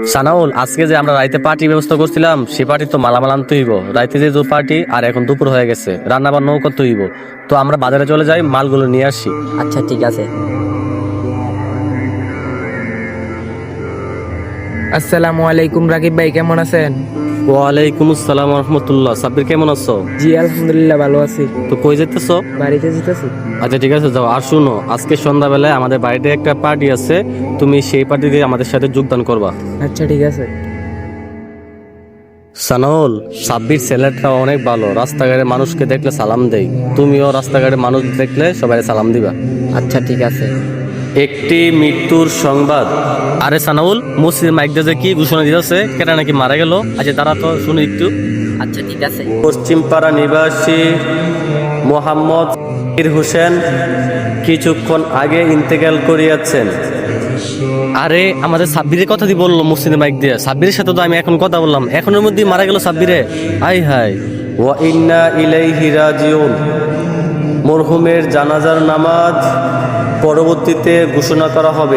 সানাউল, আজকে যে আমরা রাইতে পার্টি ব্যবস্থা করছিলাম সে পার্টি তো মালামাল আনতে হইব। রাইতে যে পার্টি আর এখন দুপুর হয়ে গেছে, রান্না বান্নাও করতে হইব। তো আমরা বাজারে চলে যাই, মালগুলো নিয়ে আসি। আচ্ছা ঠিক আছে। আসসালামু আলাইকুম রাকিব ভাই, কেমন আছেন? ওয়ালাইকুম আসসালাম রহমতুল্লাহ। সাব্বির কেমন আছো? জি আলহামদুলিল্লাহ ভালো আছি। তো কই যেতেছো? বাড়িতে যেতেছি। আচ্ছা ঠিক আছে, যাও। আর শুনো, আজকে সন্ধ্যাবেলায় আমাদের বাড়িতে একটা পার্টি আছে, তুমি সেই পার্টিতে আমাদের সাথে যোগদান করবা। আচ্ছা ঠিক আছে। সানাউল, সাব্বির ছেলেটা অনেক ভালো, রাস্তাঘাটে মানুষকে দেখলে সালাম দেই। তুমিও রাস্তাঘাটে মানুষ দেখলে সবাই সালাম দিবা। আচ্ছা ঠিক আছে। একটি মৃত্যুর সংবাদ। আরে সানাউল, মসজিদ মাইক দিয়ে যে কি ঘোষণা দিতেছে, কেটা নাকি মারা গেল। আচ্ছা তারা তো শুনি একটু। আচ্ছা ঠিক আছে। পশ্চিমপাড়া নিবাসী মোহাম্মদ হোসেন কিছুক্ষণ আগে ইন্তেকাল করিয়াছেন। আরে আমাদের সাব্বিরের কথা দিয়ে বললো মসজিদে মাইক দিয়ে। সাব্বিরের সাথে তো আমি এখন কথা বললাম, এখনের মধ্যে মারা গেল সাব্বিরে। আই হাই, ওয়া ইন্না ইলাইহি রাজিউন। মরহুমের জানাজার নামাজ পরবর্তীতে ঘোষণা করা হবে।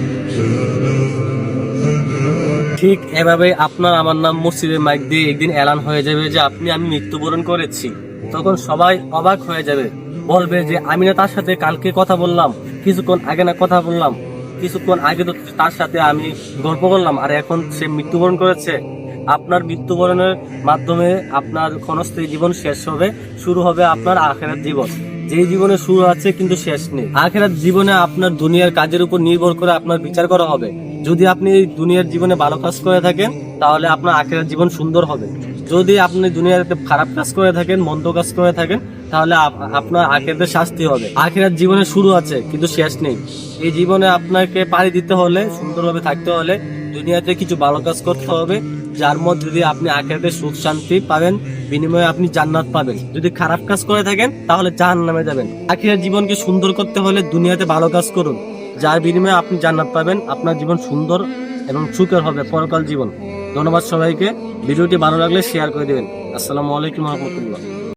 ঠিক এভাবে আপনার আমার নাম মসজিদের মাইক দিয়ে একদিন এলান হয়ে যাবে যে আমি মৃত্যুবরণ করেছি। তখন সবাই অবাক হয়ে যাবে, বলবে যে আমি না তার সাথে কালকে কথা বললাম, কিছুক্ষণ আগে না কথা বললাম, কিছুক্ষণ আগে তো তার সাথে আমি গল্প করলাম, আর এখন সে মৃত্যুবরণ করেছে। আপনার মৃত্যুবরণের মাধ্যমে আপনার ক্ষণস্থায়ী জীবন শেষ হবে, শুরু হবে আপনার আখিরাত জীবন। যেই জীবনে শুরু আছে কিন্তু শেষ নেই। আখিরাত জীবনে আপনার দুনিয়ার কাজের উপর নির্ভর করে আপনার বিচার করা হবে। যদি আপনি এই দুনিয়ার জীবনে ভালো কাজ করে থাকেন তাহলে আপনার আখিরাত জীবন সুন্দর হবে। যদি আপনি দুনিয়াতে খারাপ কাজ করে থাকেন, মন্দ কাজ করে থাকেন, তাহলে আপনার আখিরাতে শাস্তি হবে। আখিরাত জীবনে শুরু আছে কিন্তু শেষ নেই। এই জীবনে আপনাকে পাড়ি দিতে হলে, সুন্দরভাবে থাকতে হলে দুনিয়াতে কিছু ভালো কাজ করতে হবে, যার মধ্যে দিয়ে আপনি আখিরাতে সুখ শান্তি পাবেন, বিনিময়ে আপনি জান্নাত পাবেন। যদি খারাপ কাজ করে থাকেন তাহলে জাহান্নামে যাবেন। আখিরাত জীবনকে সুন্দর করতে হলে দুনিয়াতে ভালো কাজ করুন, যার বিনিময়ে আপনি জান্নাত পাবেন। আপনার জীবন সুন্দর এবং সুখের হবে পরকাল জীবন। ধন্যবাদ সবাইকে। ভিডিওটি ভালো লাগলে শেয়ার করে দেবেন। আসসালামু আলাইকুম রহমতুল্লাহ।